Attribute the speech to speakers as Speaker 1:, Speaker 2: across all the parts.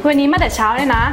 Speaker 1: วันนี้มาแต่เช้าเลยนะ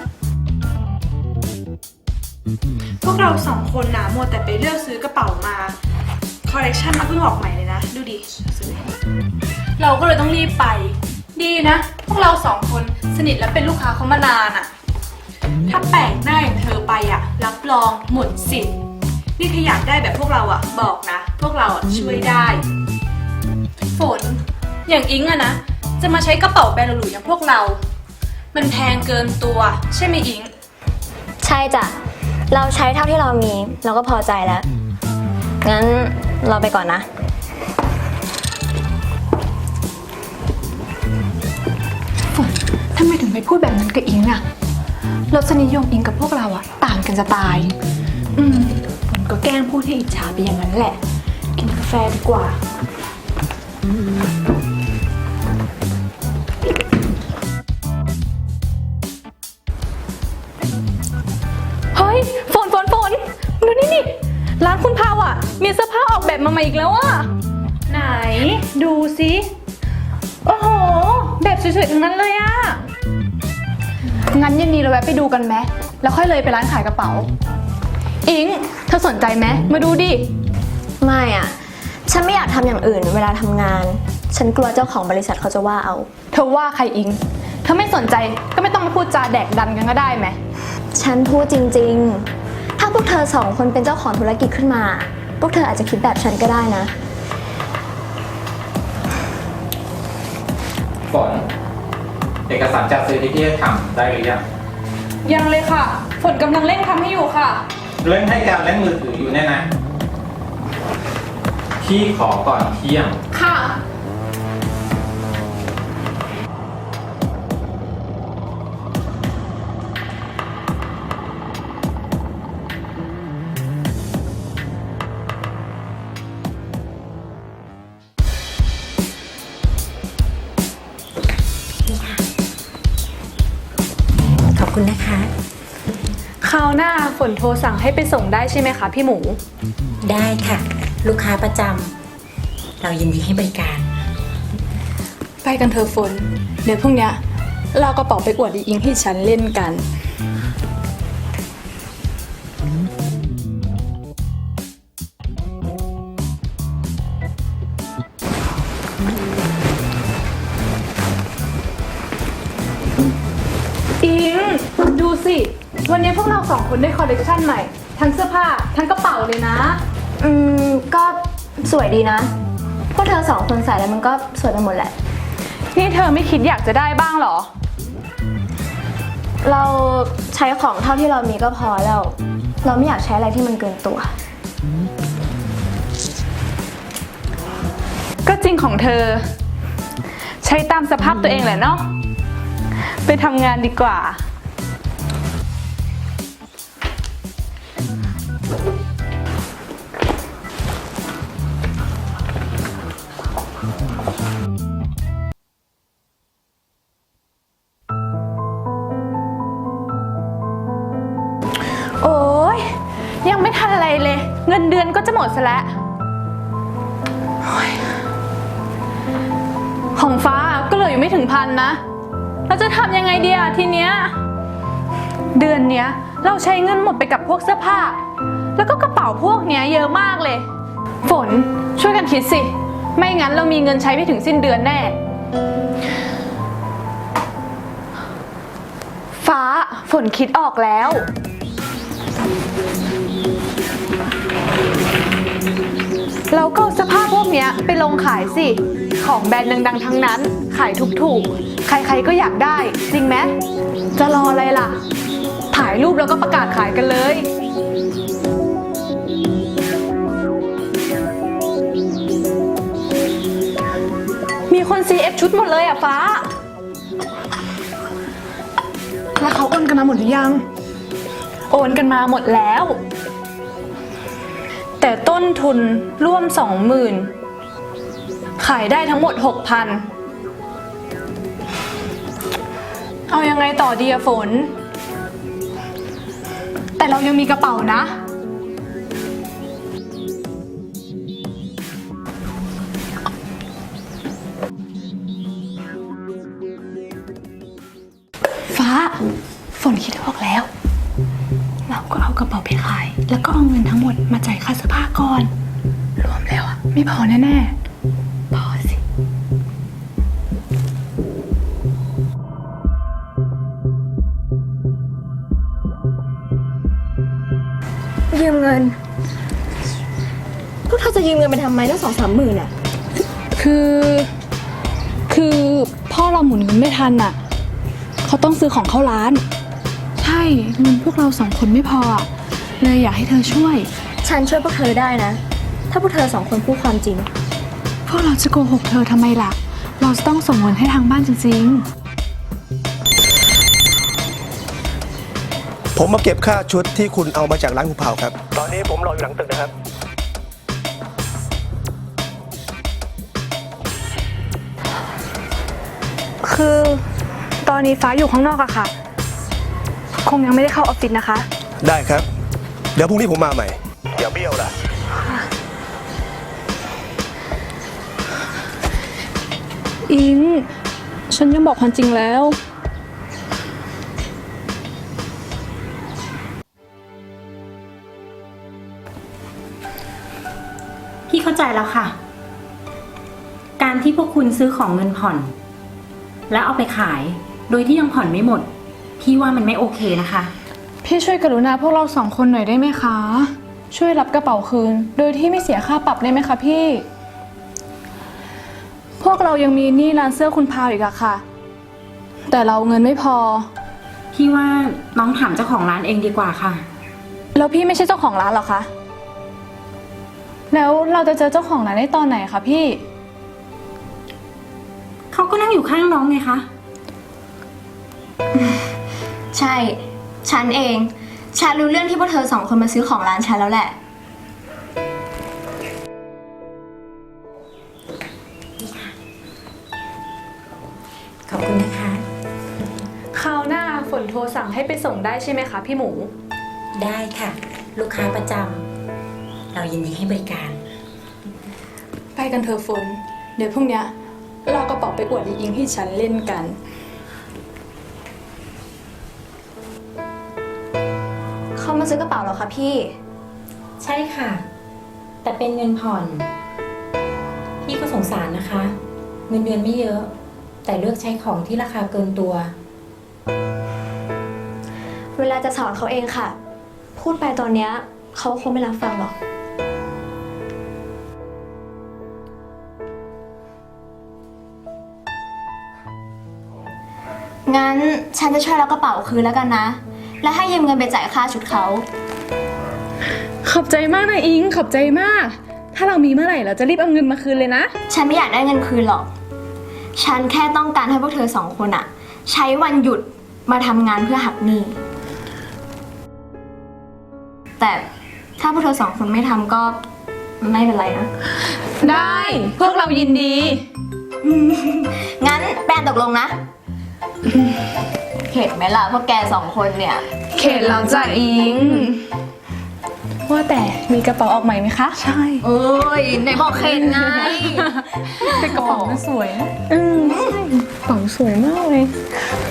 Speaker 1: พวกเราสองคนนะมัวแต่ไปเลือกซื้อกระเป๋ามาคอลเลคชันมันเพิ่งออกใหม่เลยนะดูดิเราก็เลยต้องรีบไปดีนะพวกเราสองคนสนิทและเป็นลูกค้าเขามานานอะถ้าแปลกหน้าอย่างเธอไปอะรับรองหมดสิทธิ์นี่ถ้าอยากได้แบบพวกเราอะบอกนะพวกเราอะช่วยได้ฝนอย่างอิงอะนะจะมาใช้กระเป๋าแบรนด์หรูๆอย่างพวกเรามันแพงเกินตัวใช่ไหมอิง
Speaker 2: ใช่จ้ะเราใช้เท่าที่เรามีเราก็พอใจแล้วงั้นเราไปก่อนนะ
Speaker 1: ฝนทำไมถึงไปพูดแบบนั้นกับอิงอะรสนิยมอิงกับพวกเราอะต่างกันจะตายฝนก็แกล้งพูดให้อิจฉาไปอย่างนั้นแหละกินกาแฟดีกว่าเฮ้ยฝนดูนี่ร้านคุณพาวอะมีเสื้อผ้าออกแบบมาใหม่อีกแล้วอะไหนดูสิโอ้โหแบบสวยๆทั้งนั้นเลยอะงั้นเย็นนี้เราแวะไปดูกันไหมแล้วค่อยเลยไปร้านขายกระเป๋าอิงเธอสนใจไหมมาดูดิ
Speaker 2: ไม่อะฉันไม่อยากทำอย่างอื่นเวลาทำงานฉันกลัวเจ้าของบริษัทเขาจะว่าเอา
Speaker 1: เธอว่าใครอิงเธอไม่สนใจก็ไม่ต้องมาพูดจาแดกดันกันก็ได้ไหม
Speaker 2: ฉันพูดจริงๆถ้าพวกเธอสองคนเป็นเจ้าของธุรกิจขึ้นมาพวกเธออาจจะคิดแบบฉันก็ได้นะ
Speaker 3: ฝนเอกสารจัดซื้อที่พี่ทำได้หรือยัง
Speaker 1: ยังเลยค่ะฝนกำลังเร่งทำให้อยู่ค่ะ
Speaker 3: เร่งให้การเล่นมือถืออยู่แน่นะพี่ขอก่อนเที่ยง
Speaker 1: ค่ะ
Speaker 4: ขอบคุณนะคะ
Speaker 1: คราวหน้าฝนโทรสั่งให้ไปส่งได้ใช่ไหมคะพี่หมู
Speaker 4: ได้ค่ะลูกค้าประจำเรายินดีให้บริการ
Speaker 1: ไปกันเถอะฝนเดี๋ยวพรุ่งนี้เรากระเป๋าไปอวดอีอิงให้ฉันเล่นกันอิงดูสิวันนี้พวกเราสองคนได้คอลเลคชันใหม่ทั้งเสื้อผ้าทั้งกระเป๋าเลยนะ
Speaker 2: ก็สวยดีนะพวกเธอสองคนใส่แล้วมันก็สวยไปหมดแหละ
Speaker 1: นี่เธอไม่คิดอยากจะได้บ้างหรอ
Speaker 2: เราใช้ของเท่าที่เรามีก็พอแล้วเราไม่อยากใช้อะไรที่มันเกินตัว
Speaker 1: ก็จริงของเธอใช้ตามสภาพตัวเองแหละเนาะไปทำงานดีกว่าโอ้ยยังไม่ทันอะไรเลยเงินเดือนก็จะหมดซะแล้วของฟ้าก็เหลืออยู่ไม่ถึง1,000นะเราจะทำยังไงดีอะทีเนี้ยเดือนเนี้ยเราใช้เงินหมดไปกับพวกเสื้อผ้าแล้วก็กระเป๋าพวกเนี้ยเยอะมากเลยฝนช่วยกันคิดสิไม่งั้นเรามีเงินใช้ไม่ถึงสิ้นเดือนแน่ฟ้าฝนคิดออกแล้วเราก็เอาเสื้อผ้าพวกเนี้ยไปลงขายสิของแบรนด์ดังๆทั้งนั้นขายถูกๆใครๆก็อยากได้จริงไหมจะรออะไรล่ะถ่ายรูปแล้วก็ประกาศขายกันเลยมีคน CF ชุดหมดเลยอะฟ้าแล้วเขาโอนกันมาหมดหรือยังโอนกันมาหมดแล้วแต่ต้นทุนร่วม 20,000 ขายได้ทั้งหมด 6,000 เอายังไงต่อดีอะฝนแต่เรายังมีกระเป๋านะ ฝฟ้าฝนคิดออกแล้ว เราก็เอากระเป๋าไปขาย แล้วก็เอาเงินทั้งหมดมาจ่ายค่าเสื้อผ้าก่อน รวมแล้วอะไม่พอแน่ๆพอสิ
Speaker 2: ยืมเงิน พวกเธอจะยืมเงินไปทำไมตั้ง2-3 หมื่นอะ
Speaker 1: คือพ่อเราหมุนเงินไม่ทันอ่ะเขาต้องซื้อของเข้าร้าน ใช่เงินพวกเรา2 คนไม่พออะเลยอยากให้เธอช่วย
Speaker 2: ฉันช่วยพวกเธอได้นะ ถ้าพวกเธอ2 คนพูดความจริง
Speaker 1: พวกเราจะโกหกเธอทำไมล่ะ เราจะต้องส่งเงินให้ทางบ้านจริง
Speaker 5: ผมมาเก็บค่าชุดที่คุณเอามาจากร้านคุณเผาครับ ตอนนี้ผมรออยู่หลังตึกนะครับ
Speaker 1: ๆ คือตอนนี้ฟ้าอยู่ข้างนอกอะค่ะ คงยังไม่ได้เข้าออฟฟิศนะคะ
Speaker 5: ได้ครับ เดี๋ยวพรุ่งนี้ผมมาใหม่อย่าเบี้ยวล่ะ
Speaker 1: อิง ฉันยังบอกความจริงแล้ว
Speaker 4: พี่เข้าใจแล้วค่ะ การที่พวกคุณซื้อของเงินผ่อน แล้วเอาไปขาย โดยที่ยังผ่อนไม่หมด พี่ว่ามันไม่โอเคนะคะ
Speaker 1: พี่ช่วยกรุณาพวกเรา2 คนหน่อยได้ไหมคะ ช่วยรับกระเป๋าคืน โดยที่ไม่เสียค่าปรับได้ไหมคะพี่ พวกเรายังมีหนี้ร้านเสื้อคุณพาวอีกอะค่ะ แต่เราเงินไม่พอ
Speaker 4: พี่ว่าน้องถามเจ้าของร้านเองดีกว่าค่ะ
Speaker 1: แล้วพี่ไม่ใช่เจ้าของร้านหรอคะ แล้วเราจะเจอเจ้าของร้านได้ตอนไหนคะพี่
Speaker 4: เขาก็นั่งอยู่ข้างน้องไงคะ
Speaker 2: ใช่ ฉันเอง ฉันรู้เรื่องที่พวกเธอ2 คนมาซื้อของร้านฉันแล้วแหละ
Speaker 4: ขอบคุณนะคะ
Speaker 1: คราวหน้าฝนโทรสั่งให้ไปส่งได้ใช่ไหมคะพี่หมู
Speaker 4: ได้ค่ะ ลูกค้าประจำเรายินดีให้บริการ
Speaker 1: ไปกันเถอะฝน เดี๋ยวพรุ่งเนี้ยเรากระเป๋าไปอวดอีอิงที่ฉันเล่นกัน
Speaker 2: เขามาซื้อกระเป๋าเหรอคะพี่
Speaker 4: ใช่ค่ะ แต่เป็นเงินผ่อน พี่ก็สงสารนะคะ เงินเดือนไม่เยอะ แต่เลือกใช้ของที่ราคาเกินตัว
Speaker 2: เวลาจะสอนเขาเองค่ะ พูดไปตอนเนี้ยเขาคงไม่รับฟังหรอก งั้นฉันจะช่วยรับกระเป๋าคืนแล้วกันนะ และให้ยืมเงินไปจ่ายค่าชุดเขา
Speaker 1: ขอบใจมากนะอิง ขอบใจมาก ถ้าเรามีเมื่อไหร่เราจะรีบเอาเงินมาคืนเลยนะ
Speaker 2: ฉันไม่อยากได้เงินคืนหรอก ฉันแค่ต้องการให้พวกเธอ2 คนอะใช้วันหยุดมาทำงานเพื่อหักหนี้ แต่ถ้าพวกเธอ2 คนไม่ทำก็ไม่เป็นไรนะ
Speaker 1: ได้ พวกเรายินดี
Speaker 2: งั้นแปนตกลงนะ เข็ดไหมล่ะพวกแก2 คนเนี่ย
Speaker 1: เขตเราจะอิง ว่าแต่มีกระเป๋าออกใหม่ไหมคะ ใช่
Speaker 2: โอ้ยไหนบอกเข็ดไง
Speaker 1: แต่กระเป๋ามันสวยนะใช่กระเป๋าสวยมากเลย